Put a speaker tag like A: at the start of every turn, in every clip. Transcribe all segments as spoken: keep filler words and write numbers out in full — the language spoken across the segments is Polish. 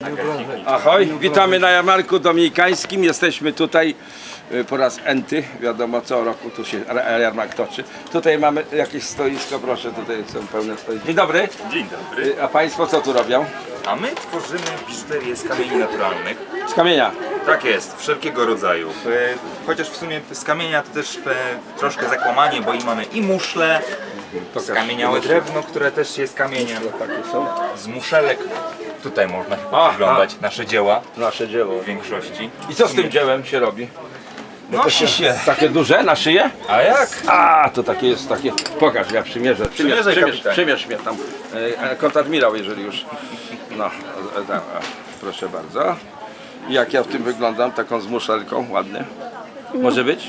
A: Ahoj, witamy na jarmarku dominikańskim. Jesteśmy tutaj y, po raz enty, wiadomo co roku tu się jarmark toczy. Tutaj mamy jakieś stoisko, proszę, tutaj są pełne stoiska. Dzień dobry.
B: Dzień dobry.
A: Y, A Państwo co tu robią?
B: A my tworzymy biżuterię z kamieni naturalnych.
A: Z kamienia.
B: Tak jest, wszelkiego rodzaju. E, Chociaż w sumie z kamienia to też e, troszkę zakłamanie, bo i mamy i muszle, skamieniałe drewno, które też jest kamieniem,
A: Takie są.
B: z muszelek. Tutaj można
A: Aha.
B: oglądać nasze dzieła
A: Nasze dzieło.
B: w większości.
A: I co z tym dziełem się robi?
B: Nosi się.
A: Takie duże na szyję?
B: A jak?
A: A, to takie jest takie. Pokaż, ja przymierzę. Przymierz,
B: Przymierzaj,
A: przymierz,
B: kapitanie.
A: przymierz mnie tam. E, Kontadmirał, jeżeli już. No, e, tam, e, proszę bardzo. I jak ja w tym wyglądam, taką z muszelką, ładnie. Może być?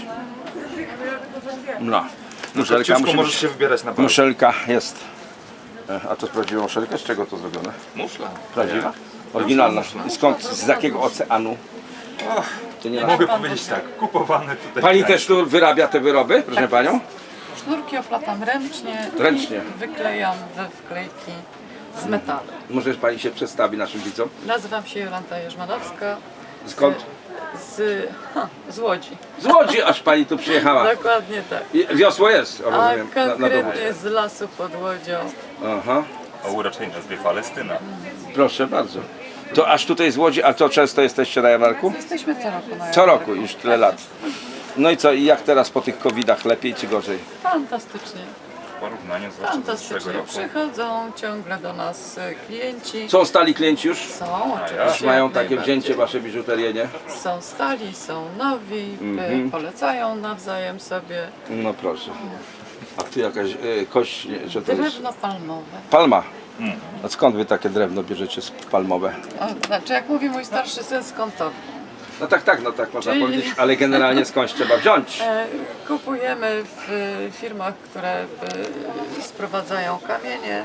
A: No. Muszelka,
B: Ciuszku
A: musi
B: możesz
A: być.
B: się wybierać na palce.
A: Muszelka jest. E, A to jest prawdziwa muszelka? Z czego to zrobione?
B: Muszla.
A: Prawdziwa? Oryginalna. I skąd? Z jakiego oceanu? To nie
B: Mogę powiedzieć tak, kupowane tutaj.
A: Pani też tu wyrabia te wyroby, proszę panią?
C: Sznurki oplatam ręcznie,
A: Ręcznie.
C: i wyklejam we wklejki z metalu.
A: Może pani się przedstawi naszym widzom?
C: Nazywam się Jolanta Jerzmanowska.
A: Skąd?
C: Z, ha, z Łodzi.
A: Z Łodzi aż pani tu przyjechała.
C: Dokładnie tak.
A: I wiosło jest,
C: A
A: rozumiem, na, na dowód.
C: konkretnie z lasu pod Łodzią.
A: Aha,
B: O uroczej nazwie Palestyna.
A: proszę bardzo. To aż tutaj z Łodzi, a to często jesteście na jarmarku?
C: Jesteśmy co roku na
A: Co roku, już tyle lat. No i co, i jak teraz po tych covidach, lepiej czy gorzej?
C: Fantastycznie.
B: W porównaniu zwłaszcza do zeszłego
C: Fantastycznie.
B: roku.
C: Przychodzą ciągle do nas e, klienci.
A: Są stali klienci już?
C: Są
A: Już
C: oczywiście.
A: mają
C: jak
A: takie
C: najbardziej.
A: wzięcie wasze biżuterię, nie?
C: Są stali, są nowi, e,
A: Mhm.
C: polecają nawzajem sobie.
A: No proszę. A tu jakaś e, kość, nie, że to jest?
C: Drewno palmowe.
A: Palma. A skąd wy takie drewno bierzecie z palmowe?
C: O, znaczy, jak mówi mój starszy syn, skąd to?
A: No tak, tak, no tak można
C: Czyli-
A: powiedzieć, ale generalnie skądś trzeba wziąć.
C: E, Kupujemy w e, firmach, które e, sprowadzają kamienie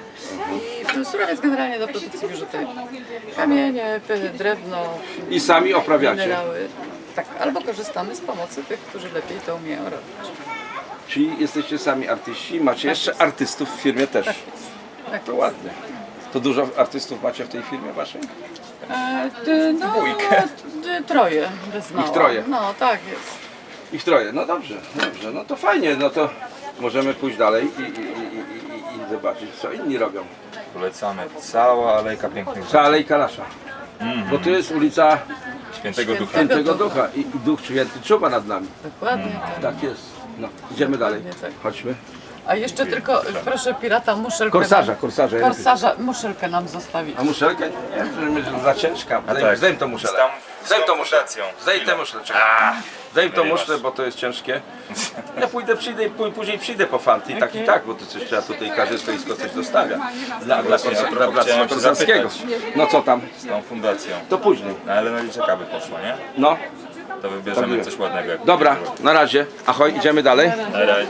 C: i surowiec generalnie do produkcji biżuterii. Kamienie, p- drewno,
A: I sami oprawiacie.
C: minerały. Tak, albo korzystamy z pomocy tych, którzy lepiej to umieją robić.
A: Czyli jesteście sami artyści, macie jeszcze artystów w firmie też.
C: Tak,
A: To ładnie. To dużo artystów macie w tej firmie waszej?
C: e, d- no, d- troje, bez mała.
A: troje.
C: No, tak jest.
A: Ich troje. No dobrze, dobrze. No to fajnie, no to możemy pójść dalej i, i, i, i, i zobaczyć, co inni robią.
B: Polecamy cała alejka pięknych
A: Ta alejka nasza. Bo tu jest ulica
B: Świętego Ducha.
A: Świętego Ducha i, i Duch Święty czuwa nad nami.
C: Dokładnie tak.
A: Tak jest. No, idziemy dalej.
C: Dokładnie tak.
A: Chodźmy.
C: A jeszcze tylko, proszę pirata, muszelkę.
A: Korsarza,
C: nam-
A: korsarza.
C: Korsarza, muszelkę nam zostawić.
A: A muszelkę? Nie, że za ciężka. Zdejm,
B: tak.
A: zdejm to muszelę.
B: Z tam- z
A: Zdejm
B: tą
A: to muszlę.
B: fundacją.
A: Zdejm tę muszlę. czekaj. Zdejm to
B: Wyrywasz.
A: muszlę, bo to jest ciężkie. Ja pójdę, przyjdę i pó- później przyjdę po fanty. I tak i tak, bo to coś trzeba tutaj, każde stoisko coś dostawia. Dla, dla,
B: Właśnie,
A: dla,
B: ja
A: dla Bractwa
B: chciałem się
A: Korsarskiego.
B: zapytać.
A: No co tam?
B: Z tą fundacją.
A: To później.
B: No ale na liczeka by poszło, nie?
A: No,
B: To wybierzemy
A: Tak
B: coś ładnego. jak
A: dobra,
B: będzie
A: na razie. Ahoj, idziemy dalej.
B: Na razie.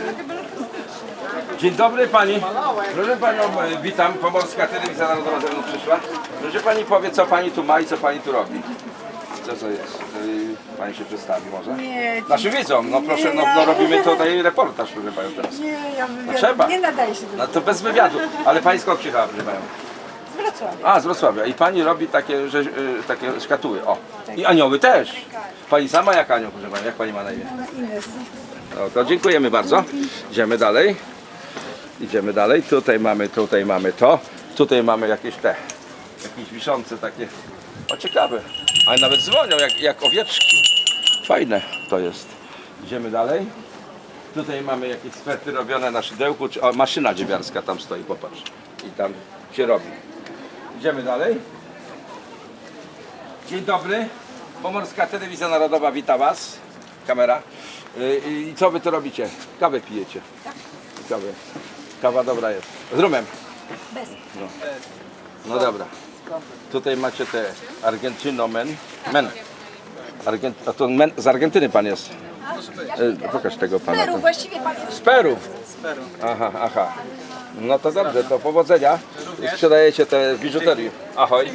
A: Dzień dobry pani. Proszę panią, e, witam. Pomorska Telewizja Narodowa ze mną przyszła. Proszę pani powie, co pani tu ma i co pani tu robi. Co to jest? E, Pani się przedstawi może?
D: Nie,
A: Naszym widzom, no proszę, no, no robimy tutaj reportaż, proszę panią teraz.
D: nie, ja wywiad...
A: trzeba.
D: nie nadaje się do
A: No to bez wywiadu. Ale pani skąd przyjechała, proszę panią?
D: z Wrocławia.
A: A, z Wrocławia. I pani robi takie, że, e, takie szkatuły. O. I anioły też. Pani sama jak anioł, proszę panią. Jak pani ma na imię?
D: Ines.
A: No to dziękujemy bardzo. Idziemy dalej. Idziemy dalej. Tutaj mamy, tutaj mamy to. Tutaj mamy jakieś te, jakieś wiszące takie. O ciekawe. Ale nawet dzwonią jak, jak owieczki. Fajne to jest. Idziemy dalej. Tutaj mamy jakieś swety robione na szydełku. Czy- O, maszyna dziewiarska tam stoi, popatrz. I tam się robi. Idziemy dalej. Dzień dobry. Pomorska Telewizja Narodowa wita Was. Kamera. Y, I co wy tu robicie? Kawę pijecie? Kawę. Kawa dobra jest. Z rumem.
D: Bez.
A: No, no dobra. Tutaj macie te Argentyno men. Men. Argent... A to men... z Argentyny pan jest. Y, pokaż tego pana.
D: Peru, właściwie pan jest
A: Z Peru. Aha, aha. No to dobrze, to powodzenia. I sprzedajecie te biżuterię. Ahoj.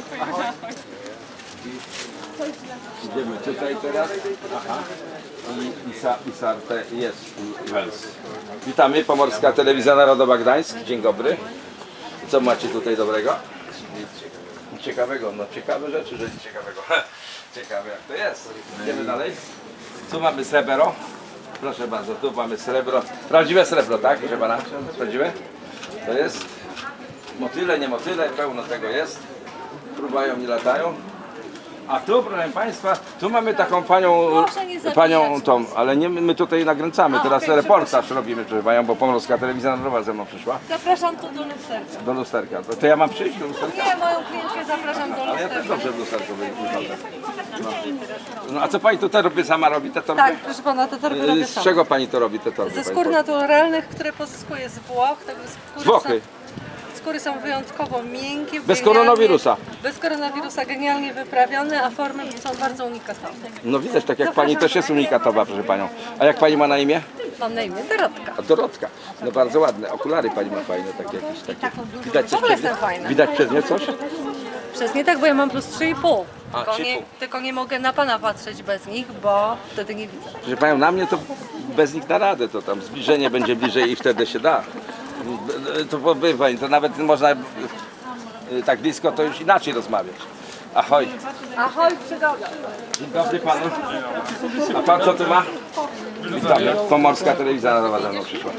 A: Idziemy tutaj teraz. Aha. I, i, sa, i Sarte jest Wels. Witamy, Pomorska Telewizja Narodowa Gdańsk. Dzień dobry. Co macie tutaj dobrego? ciekawego? No ciekawe rzeczy, że nic ciekawego. Ciekawe jak to jest. Idziemy dalej. Tu mamy srebro. Proszę bardzo, tu mamy srebro. Prawdziwe srebro, tak? Proszę pana? Prawdziwe? To jest motyle, nie motyle, pełno tego jest. Fruwają i latają. A tu, proszę Państwa, tu mamy taką panią,
D: Proszę nie zabijać
A: panią
D: nas.
A: tą, ale nie my tutaj nakręcamy, teraz
D: okej,
A: reportaż robimy, proszę panią, bo Pomorska Telewizja Narodowa ze mną przyszła.
D: Zapraszam tu do lusterka.
A: Do lusterka. To, to ja mam przyjść do lusterka?
D: Nie, moją klientkę zapraszam do
A: Ale ja
D: lusterka.
A: też dobrze w lusterku wyglądam. No. No a co pani tu torby sama robi, te torby?
D: Tak, proszę pana, te torby robię
A: Z
D: sama.
A: czego pani to robi, te torby?
D: Ze
A: pani
D: skór
A: powie?
D: naturalnych, które pozyskuję z Włoch. Także skóry
A: Z Włochy?
D: Są, skóry są wyjątkowo miękkie.
A: Bez
D: genialnie-
A: koronawirusa?
D: Bez koronawirusa, genialnie wyprawione, a formy są bardzo unikatowe.
A: No widać, tak jak pani też jest unikatowa, proszę panią. A jak pani ma na imię?
D: Mam na imię Dorotka.
A: A Dorotka. No bardzo ładne. Okulary pani ma fajne, takie jakieś takie. Widać coś
D: W ogóle
A: przez nie?
D: jestem fajna.
A: Widać przez nie coś?
D: Przez nie tak, bo ja mam plus trzy i pół.
A: A,
D: Tylko
A: trzy i
D: nie,
A: pół.
D: tylko nie mogę na pana patrzeć bez nich, bo wtedy nie widzę.
A: Proszę panią, na mnie to bez nich na radę, to tam zbliżenie będzie bliżej i wtedy się da. To pobywa, to nawet można y, tak blisko to już inaczej rozmawiać. Ahoj.
D: Ahoj, przygoda.
A: Dzień dobry panu. A pan co tu ma? Witamy. Pomorska Telewizja Narodowa ze mną przyszła.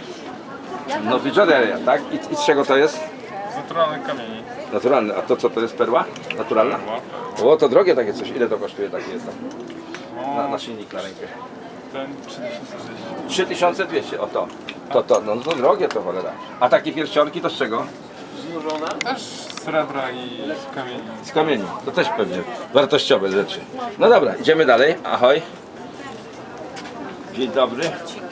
A: No biżuteria, tak? I, I z czego to jest?
E: Naturalnych kamieni.
A: Naturalne. A to co to jest perła? Naturalna? O, to drogie takie coś. Ile to kosztuje takie jest tam? Na, na silnik na rękę.
E: Ten trzy tysiące dwieście.
A: trzy tysiące dwieście, o to. To, to, no to drogie to cholera. A takie pierścionki to z czego?
E: Też z srebra i z kamieni.
A: Z kamieni. To też pewnie wartościowe rzeczy. No dobra, idziemy dalej. Ahoj. Dzień dobry.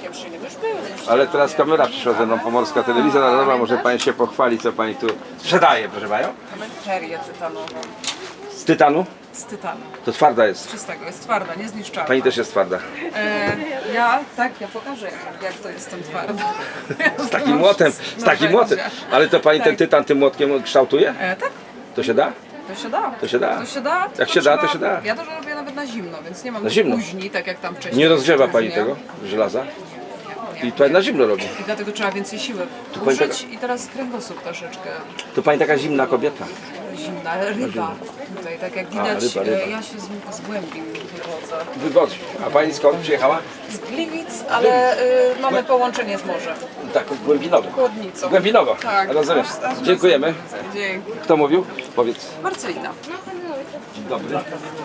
A: Ale teraz kamera przyszła ze mną, Pomorska Telewizja Narodowa. Może pani się pochwali, co pani tu sprzedaje, proszę panią?
F: Perię tytanową.
A: Z tytanu?
F: Z tytanu.
A: To twarda jest.
F: Czystego, jest twarda, niezniszczalna.
A: Pani też jest twarda.
F: E, ja, tak, ja pokażę jak, jak to jestem twarda.
A: Z takim młotem, z takim młotem. Ale to pani ten tytan tym młotkiem kształtuje?
F: E, tak,
A: To się da?
F: to się da.
A: To się da.
F: To się da.
A: Jak
F: tylko
A: się da, to
F: trzeba-
A: się da.
F: Ja to robię nawet na zimno, więc nie mam
A: Na zimno?
F: później, tak jak tam wcześniej.
A: Nie rozgrzewa pani
F: Później.
A: tego żelaza? I to na zimno robi.
F: I dlatego trzeba więcej siły
A: pani
F: użyć i teraz kręgosłup troszeczkę
A: To pani taka zimna kobieta.
F: zimna, ale ryba tutaj, tak jak widać,
A: ryba, ryba.
F: e, ja się z, z głębi wychodzę.
A: Wygodzi. A pani skąd przyjechała?
F: Z Gliwic, ale y, mamy połączenie z morzem.
A: Tak, głębinowo.
F: Chłodnicą.
A: Głębinowo.
F: Tak.
A: Rozumiem.
F: Aż- aż
A: Dziękujemy.
F: Dzięki.
A: Kto mówił? Powiedz.
F: Marcelina.
A: Dzień dobry.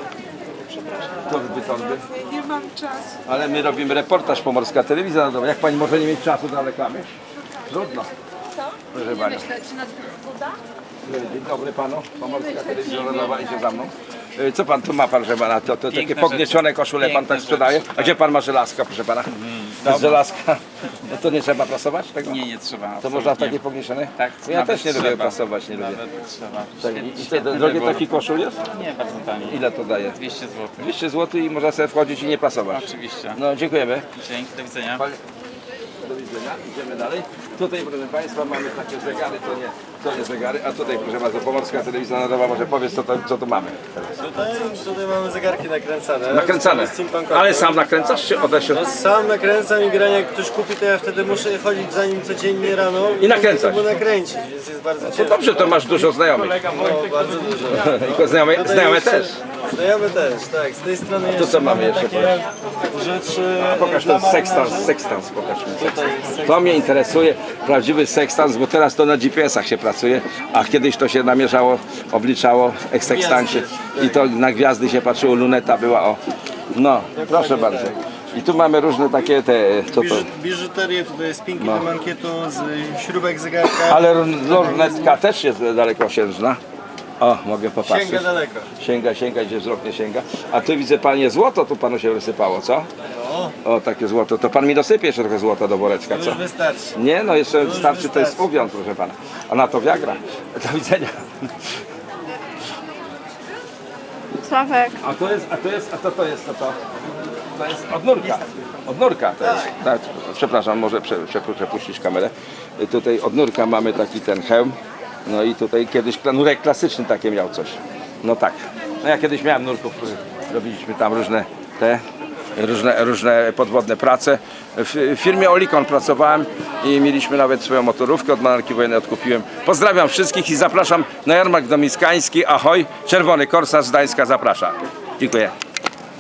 A: Torby, torby. Nie mam czasu. Ale my robimy reportaż Pomorska Telewizja Narodowa. Jak pani może nie mieć czasu na reklamy? Trudno. Proszę pani. Dzień dobry panu. Pomorska Telewizja Narodowa idzie za mną. E, Co pan tu ma, proszę pana? To, to takie pogniecione koszule pan tak sprzedaje? A gdzie pan ma żelazka, proszę pana? Z żelazka. No to nie trzeba prasować tego?
E: Nie, nie trzeba.
A: To
E: absolutnie.
A: można w takie pognieczone?
E: Tak,
A: Ja
E: nawet
A: też nie lubię
E: trzeba.
A: prasować, nie lubię.
E: Nawet trzeba.
A: Tak,
E: Świetny-
A: I i
E: świetny
A: to drogi
E: wybór.
A: taki koszul jest?
E: Nie, bardzo tani.
A: Ile to daje?
E: dwieście złotych.
A: dwieście złotych i można sobie wchodzić i nie prasować.
E: Oczywiście.
A: No dziękujemy.
E: Dzięki, do widzenia.
A: Do widzenia, idziemy dalej. Tutaj proszę Państwa mamy takie zegary, to nie, to nie zegary, a tutaj proszę bardzo Pomorska Telewizja Narodowa, może powiedz co, to, co tu mamy teraz.
G: Tutaj, tutaj mamy zegarki nakręcane.
A: Nakręcane.
G: Steampunkowe.
A: Ale sam nakręcasz czy odeśle?
G: No sam nakręcam i granie, jak ktoś kupi, to ja wtedy muszę chodzić za nim codziennie rano
A: I nakręcać.
G: Żeby nakręcić, więc jest bardzo
A: To
G: ciężko.
A: dobrze, to masz dużo znajomych.
G: No, bardzo dużo.
A: Tylko znajome,
G: Tutaj
A: znajome
G: już-
A: też.
G: Znajomy też, tak. Z tej strony
A: to
G: jeszcze
A: co mamy jeszcze,
G: takie rzeczy.
A: Pokaż ten sekstans, sekstans, pokaż mi. To mnie interesuje, prawdziwy sekstans, bo teraz to na G P S-ach się pracuje, a kiedyś to się namierzało, obliczało w sekstancie i to na gwiazdy się patrzyło, luneta była o... No, proszę bardzo. I tu mamy różne takie te... Co to?
G: Biżu- Biżuterię, tutaj spinki do mankietu, z śrubek zegarka.
A: Ale lornetka też jest dalekosiężna. O, mogę popatrzeć.
G: Sięga daleko.
A: Sięga, sięga, gdzie wzrok nie sięga. A tu widzę panie złoto, tu panu się wysypało, co? O, takie złoto. To pan mi dosypie jeszcze trochę złota do woreczka,
G: To
A: co?
G: już wystarczy.
A: Nie, no jeszcze starczy, to jest
G: wystarczy.
A: uwiąd, proszę pana. A na to Viagra. Do widzenia.
D: Sławek.
A: A to jest, a to jest, a to to jest, to to. To jest od nurka. Od nurka to jest. Tak, przepraszam, może prze, prze, przepuścić kamerę. Tutaj od nurka mamy taki ten hełm. No i tutaj kiedyś kla- nurek klasyczny takie miał coś. No tak. No ja kiedyś miałem nurków, robiliśmy tam różne te różne, różne podwodne prace. W firmie Olikon pracowałem i mieliśmy nawet swoją motorówkę, od marynarki wojennej odkupiłem. Pozdrawiam wszystkich i zapraszam na jarmark domiskański. Ahoj, Czerwony Korsarz z Gdańska zaprasza. Dziękuję.